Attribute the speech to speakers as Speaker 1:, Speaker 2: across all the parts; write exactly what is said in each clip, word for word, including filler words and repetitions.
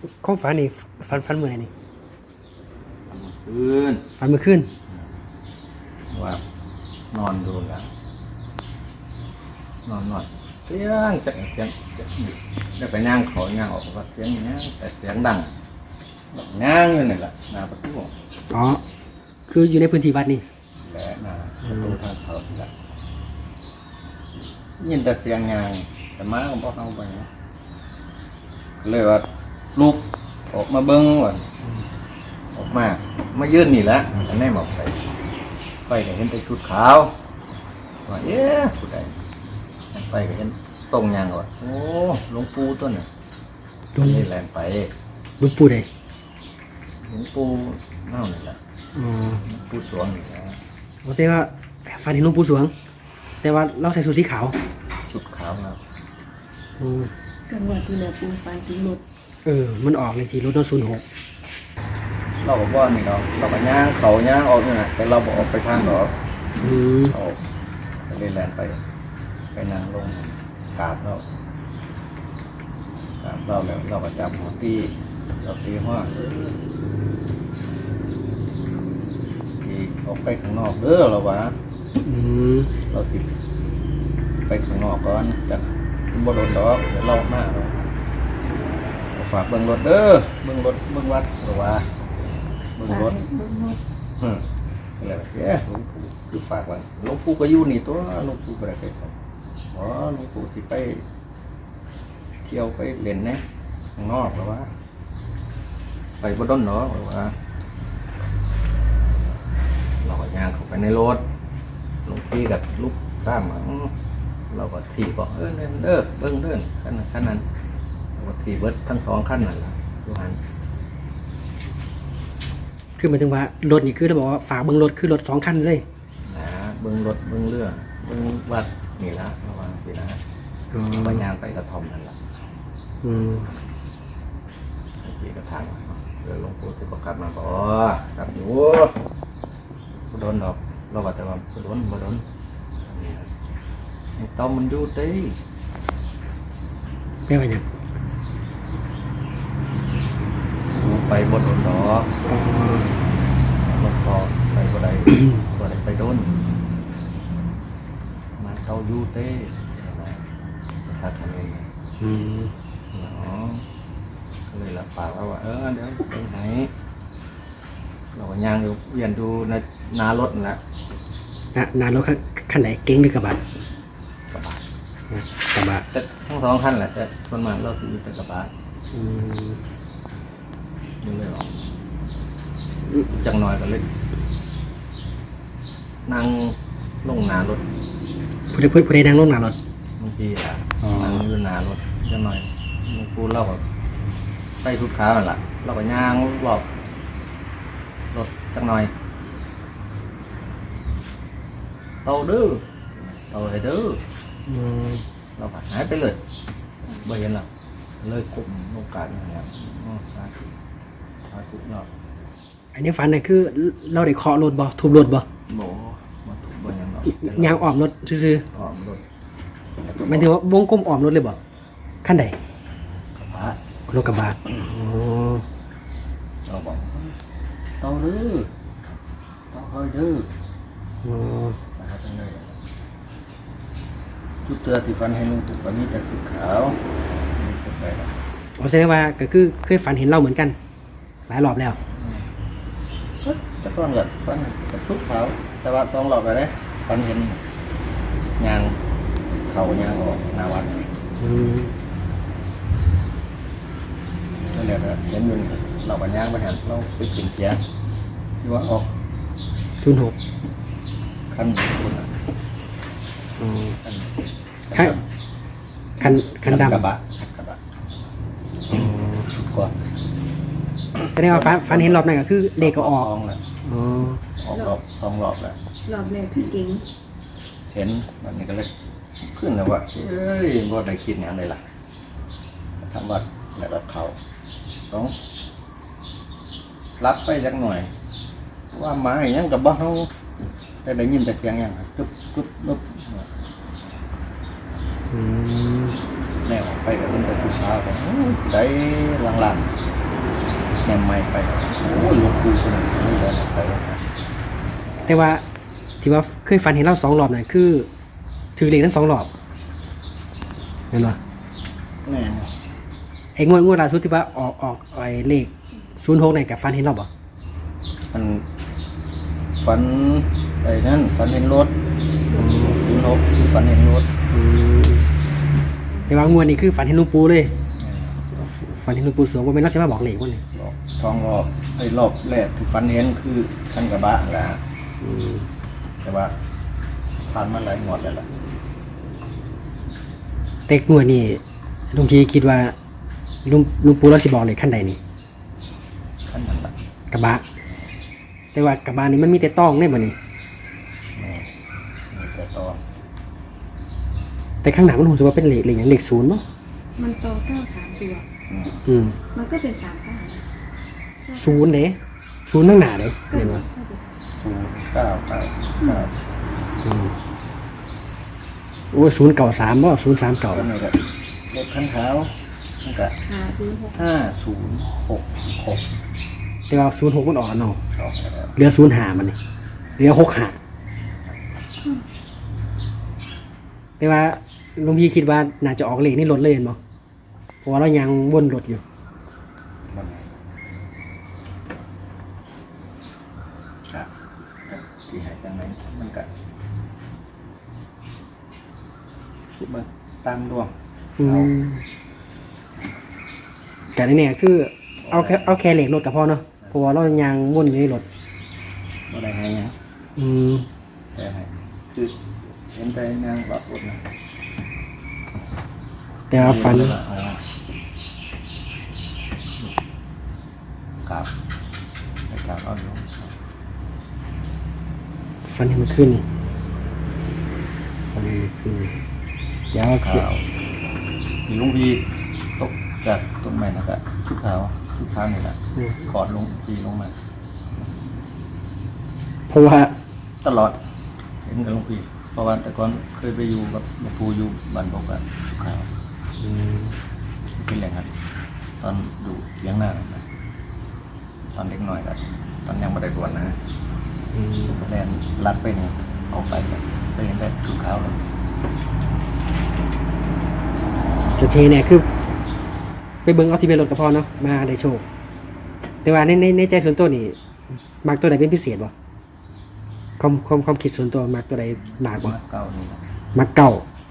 Speaker 1: ข้องฝันนี่ฝันฝันเมื่อไหร่นี่
Speaker 2: คืน
Speaker 1: ฝันเมื่อคืน
Speaker 2: ว่านอนดูแล้วนอนนอนเสียงจะเสียงจะได้ไปย่างขอย่างออกว่าเสียงย่างแต่เสียงดังแบบย่างอยู่นี่แหละหน้าประตู
Speaker 1: อ๋อคืออยู่ในพื้นที่วัดนี่
Speaker 2: และหน้าประตูทางเขาที่ละยินแต่เสียงย่างแต่ม้าก็บอกเอาไปเลยว่าลูกออกมาเบิ้งว่าออกมามายื่นนี่แหละอันนี้หมอกไปไปก็เห็นแต่ชุดขาวว่าเอ๊ะผู้ใดไปก็เห็นตรงยางว่าโอ้หลวงปู่ต้นน่ะตรงนี้แรงไป
Speaker 1: หลวงปู่ใด
Speaker 2: หลวงปู่เน่านี่แหละ
Speaker 1: อ๋อ
Speaker 2: หลวงปู่สวงนี่แหละ
Speaker 1: ผมเชื่อว่าฝันเห็นหลวงปู่สวงแต่ว่าเราใส่ชุดสีขาว
Speaker 2: ชุดขาวครับ
Speaker 1: อืม
Speaker 3: กันว่าที่หลวงปู่ฝันถึงรถ
Speaker 1: เออมันออกในที่รถนศูนย์หก
Speaker 2: เราบอกว่านี่เราเราก็ย่างเขาย่างออกนี่แหละแต่เราบอกออกไปทางหรอก
Speaker 1: อืม
Speaker 2: เขาไปเล่นแลนไปไปนั่งลงกราบเรากราบเราแล้วเราก็จับหัวตีเราตีหัวตีออกไปข้างนอกเด้อเราวะ
Speaker 1: อืม
Speaker 2: เราติดไปข้างนอกก่อนจากบนรถดอกเดี๋ยวเรามาเราฝากเบิ้งรถเด้อเบิ้งรถเบิ้งวัดหรือว่าเบิ้งรถอืมอะไรแบบนี้หลวงปู่คือฝากไว้หลวงปู่ก็อยู่นี่ตัวหลวงปู่ไปไหนครับอ๋อหลวงปู่ที่ไปเที่ยวไปเล่นนะข้างนอกหรือว่าไปบนต้นเนาะหรือว่าเราก็ย่างเข้าไปในรถหลวงพี่กับลูกตามเราก็ทีบอกเออเดินเด้อเบิ้งเดินขั้นนั้นขั้นนั้นเราก็ทีเบิดทั้งสองขั้นนั่นแหละดูหัน
Speaker 1: คือหมายถึงว่ารถนี่คือเราบอกว่าฝาเบิ้งรถคือรถสองคันเลย
Speaker 2: นะเบิ้งรถเบิ้งเรือเบิ้งวัดนี่ละระวังสินะไปงานไปกระทอมนั่นแหละ
Speaker 1: อืม
Speaker 2: พี่กระถางเดี๋ยวหลวงปู่จะประกาศมาบอกครับอยู่โดนดอกเราบอกแต่ว่าโดนบ่โดนไอ้ต้อมมันดูตี
Speaker 1: ไม่ไปยัง
Speaker 2: ไปบนดอกรถพอไปบ่ได้บ่ได้ไปโดนมาเต้ายูเต้ถ้าทำเอง
Speaker 1: อืม
Speaker 2: เนาะก็เลยรับปากว่าเออเดี๋ยวไปไหนเราก็ย่างอยู่เวียนดูในนารถนั่นแหละ
Speaker 1: นานานรถคันไหนเก๋งหรือกระบะ
Speaker 2: กระบะ
Speaker 1: กระบะ
Speaker 2: แต่ทั้งสองคันแหละแต่คนมาเราคือเป็นกระบะ
Speaker 1: อืม
Speaker 2: นี่เลยหรอจังหน่อยก็เลยนั่งลงนารถ
Speaker 1: ผู้ใดผู้ใดนั่งลงนารถ
Speaker 2: บางทีอ่ะนั่งอยู่นารถจังหน่อยมึงพูดเล่าแบบไปทุกขาแหละเราก็ย่างรอบรถจังหน่อยเตาดื้อเตาอะไรดื้อเราก็หายไปเลยไม่เห็นหรอกเลยกลุ่มโอกาสอย่างเงี้ยสาธุสาธุเนาะ
Speaker 1: อันนี้ฝันเนี่ยคือเราได้เคาะรถบ่ทุบรถบ่
Speaker 2: โบมาถูกบ่ยังเนาะ
Speaker 1: ยางออมรถซื่อ
Speaker 2: ออมรถ
Speaker 1: หมายถึงว่าวงกลมออมรถเลยบ่ขั้นใด
Speaker 2: กระบะ
Speaker 1: รถกระบะ
Speaker 2: เราบอกเตาดื้อเตาเฮ้ยดื้อนะครับจังเลยจุดเตือนที่ฟันให้ลุงตู่วันนี้จะคือขาวมีคนไปแล้ว
Speaker 1: ผมแสดงว่าก็คือเคยฝันเห็นเราเหมือนกันหลายรอบแล้ว
Speaker 2: จะต้องเกิดฟันกับทุกขาวแต่ว่าต้องหลอกอะไรฟันเห็นยางเข่ายางออกหน้าวัดนั่นแหละเห็นอยู่เราปัญญาไปเห็นเราไปกินเกียร์ที่ว่าออก
Speaker 1: ศูนย์หก
Speaker 2: ขั้นคุณอ่ะ
Speaker 1: คันคันคันดำ
Speaker 2: กระบะกระบะกว่า
Speaker 1: แสดงว่าฝันฝันเห็นรอบนั้นก็คือเลขก็ออก
Speaker 2: แหละออกรอบสองรอบแหละ
Speaker 3: รอบแรกคือเก่ง
Speaker 2: เห็นมันนี่ก็เลยขึ้นแล้วว่าเอ้ยบ่ได้คิดอย่างไรล่ะทำวัดแล้วรับเขาต้องรับไปสักหน่อยว่าหมาอย่างกับบ้าเขาแต่ได้ยินแต่เสียงอย่างกึบกึบกึบแนวไปกับมันแต่ทุกเช้าได้หลังๆแนมไม่ไปโอ้ยหลวงปู่คนนั้นไม่ได้ไปแล้วนะ
Speaker 1: แต่ว่าที่ว่าเคยฝันเห็นเราสองรอบนั่นคือถือเลขทั้งสองรอบเห็นปะ
Speaker 2: แม่น
Speaker 1: ไอ้งวดงวดล่าสุดที่ว่าออกออกไอ้เลขศูนย์หกนี่กับฝันเห็นเราบ่
Speaker 2: มันฝันไอ้นั่นฝันเห็นรถคุณนกฝันเห็นรถ
Speaker 1: อืมแต่ว่างวดนี้คือฝันเห็นหลุงปูเลยฝันเห็นหลุงปูสวงว่าเป็นรัชมาบอกเลขวันนี้
Speaker 2: รอบทองรอบไอ้รอบแรกที่ฝันเห็นคือคันกระบะแหละ
Speaker 1: อืม
Speaker 2: แต่ว่าผ่านมาหลายงวดแล้วล่ะ
Speaker 1: แต่งวดนี้ลุงทีคิดว่าลุงลุงปูเราสิบอกเลขขั้นใดนี่
Speaker 2: ขั้นนั้นละ
Speaker 1: กระบะแต่ว่ากระบะนี่มันมีแต่ต้องได้บ่นี่
Speaker 2: แม่มีแต่ตอน
Speaker 1: แต่ข้างหน้ามันรู้สึกว่าเป็นเลขเลขอย่างเลขศูนย์เนาะ
Speaker 3: มันโตเก้าสามตัว
Speaker 2: อืม
Speaker 1: อืม
Speaker 3: มันก็เป็นสามเก้า
Speaker 1: ศูนย์เด้ศูนย์ข้างหน้าเด้
Speaker 3: ก็
Speaker 1: เห็น
Speaker 3: เหมือ
Speaker 1: ปะ
Speaker 3: นก็จะ
Speaker 2: ศูนย์เก้าเก้าเก้า
Speaker 1: อืมโอ้ยศูนย์เก่าสามบ่ศูนย์สามเก่า
Speaker 2: ก็นี่ก็รถคันเท้ามันก็
Speaker 3: หาศูนย์หก
Speaker 2: ห้าศูนย์หกหก
Speaker 1: แต่ว่าศูนย์หกมันออกแล้วเนาะ
Speaker 2: ออกแล้ว
Speaker 1: เหลือศูนย์หามันนี่เหลือหกหาแต่ว่าลุงพี่คิดว่าน่าจะออกเลขนี่ลดเลยเห็นบ่เพราะว่าเรายังวนรถอยู่
Speaker 2: มันก็ที่หายจังไหนมันก็คิดว่าตามดวง
Speaker 1: อืมแต่ในเนี่ยคือเอาแค่เอาแค่เหล็กรถกับพ่อเนาะเพราะว่าเรายังวนอยู่ในรถ
Speaker 2: บ่ได้ให้หยัง
Speaker 1: อืม
Speaker 2: แต่ให้คือเห็นแต่นางแบบรถนะ
Speaker 1: แต่ว่าฟัน
Speaker 2: ครับไปกราบเอาอยู่
Speaker 1: ฟันให้มันขึ้นฟันให้มันขึ้นเดี๋ยว
Speaker 2: ขาวมีลุงพีตกจากต้นไม้นะครับชุดขาวชุดขาวนี่แหละ
Speaker 1: อืม
Speaker 2: กอดลุงพีลงมา
Speaker 1: เพราะว่า
Speaker 2: ตลอดเห็นกับลุงพีเพราะว่าแต่ก่อนเคยไปอยู่กับหลวงปู่อยู่บ้านบอกกันชุดขาว
Speaker 1: อืม
Speaker 2: เป็นแหล่งครับตอนอยู่เลี้ยงหน้านะตอนเล็กหน่อยครับตอนยังไม่ได้บวชนะ
Speaker 1: อืม
Speaker 2: แลนลัดไปหนึ่งออกไปครับไปเห็นแต่ชุดขาวเลย
Speaker 1: จุดเทเนี่ยคือ ไปเบิ่งเอาที่เป็นรถกับพ่อเนาะมาได้โชค แต่ว่าในในในใจส่วนตัวนี่มักตัวไหนเป็นพิเศษบ่ความความความคิดส่วนตัวมักตัวไหนมากบ่
Speaker 2: เก้านี่นะ
Speaker 1: มักเก่า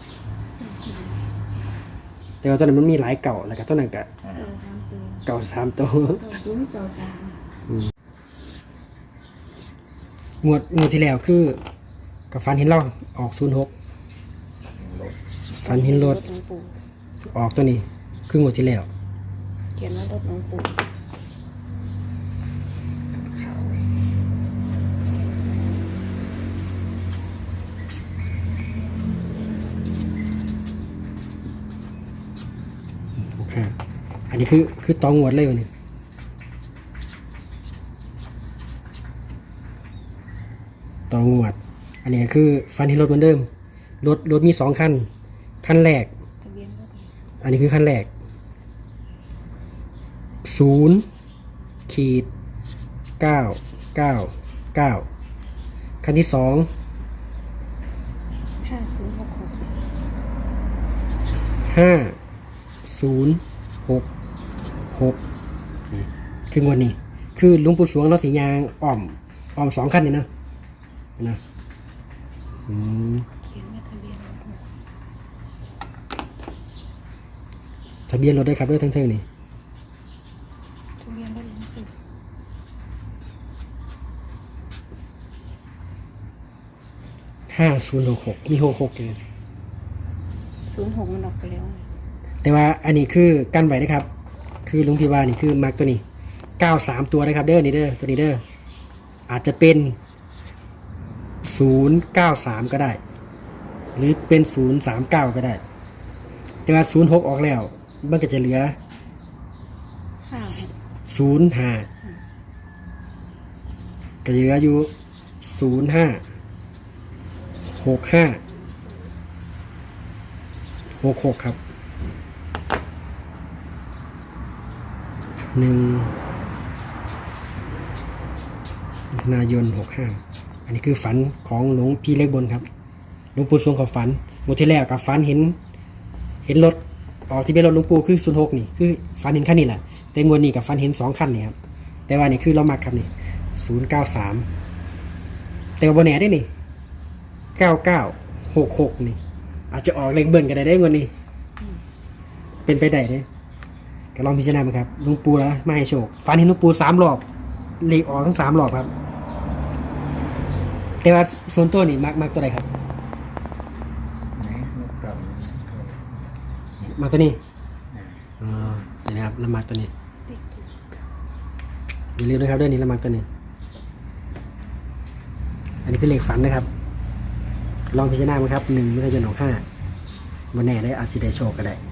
Speaker 1: แต่ว่าตัวนั้นมันมีหลายเก่าแล้วก็ตัวนั้นก็
Speaker 2: อ่า
Speaker 3: เก้าสามตัว
Speaker 1: เก่าสามตัว
Speaker 3: เก้าศูนย์เก้าสาม
Speaker 1: งวดงวดที่แล้วคือกับฟันเห็นเราออกศูนย์หก
Speaker 2: รถ
Speaker 1: ฟันเห็นรถ
Speaker 3: หลวงปู่
Speaker 1: ออกตัวนี้คืองวดที่แล้ว
Speaker 3: เขียนว่ารถหลวงปู่
Speaker 1: โอเคอันนี้คือคือตองงวดเลยวันนี้ตองงวด อันนี้คือฟันเห็นรถเหมือนเดิมรถรถมีสองคันคันแรก
Speaker 3: ทะเบียนรถ
Speaker 1: อันนี้คือขั้นแรก ศูนย์ขีดเก้าเก้าเก้าขั้นที่สอง
Speaker 3: ห้าศูนย์หกหก
Speaker 1: ห้าศูนย์หกหกคืองวดนี้ คือหลุงปู่สวงเราสียางอ่อมอ่อมสองขั้นนี่เนาะนะอืม
Speaker 3: เขียนว่าทะเบียนรถ
Speaker 1: ทะเบียนรถด้วยครับด้วยทั้งเท่านี้
Speaker 3: ทะเบียนรถหลวงปู่
Speaker 1: ห้าศูนย์หกหกมีหกหกอยู่
Speaker 3: ศูนย์หกมันออกไปแล้ว
Speaker 1: แต่ว่าอันนี้คือกั้นไว้นะครับ คือลุงพี่ว่านี่คือมาร์กตัวนี้เก้าสามตัวนะครับเด้อนี่เด้อตัวนี้เด้ออาจจะเป็นศูนย์เก้าสามก็ได้ หรือเป็นศูนย์สามเก้าก็ได้ แต่ว่าศูนย์หกออกแล้วมันก็จะเหลือ
Speaker 3: ห้าหก
Speaker 1: ศูนย์ห้าก็จะเหลืออยู่ศูนย์ห้าหกห้าหกหกครับหนึ่งมิถุนายนหกห้าอันนี้คือฝันของหลวงพี่เล็กบนครับหลวงปู่สวงกับฝันงวดที่แล้วกับฝันเห็น เห็นรถออกที่เป็นรถหลวงปู่คือศูนย์หกนี่คือฝันเห็นคันนี้แหละแต่งวดนี้กับฝันเห็นสองคันนี่ครับแต่ว่านี่คือเรามักครับนี่ศูนย์เก้าสามแต่ว่าบนแหนได้นี่เก้าเก้าหกหกนี่อาจจะออกเลขเบิ้ลกันได้ได้งวดนี้เป็นไปได้เลยก็ลองพิจารณาดูครับหลวงปู่แล้วมาให้โชคฝันเห็นหลวงปู่สามรอบเลขออกทั้งสามรอบครับแต่ว่าส่วนตัวนี่มักมักตัวใดครับ
Speaker 2: ไหนนกเก่า
Speaker 1: มักตัวนี้อ๋อนี่นะครับละมักตัวนี้
Speaker 3: ติ๊กถูก
Speaker 1: อย่าลืมนะครับเรื่องนี้ละมักตัวนี้อันนี้คือเลขฝันนะครับ ลองพิจารณาไหมครับหนึ่งมิถุนายนหกห้าวันแน่ได้อาจสิได้โชคก็ได้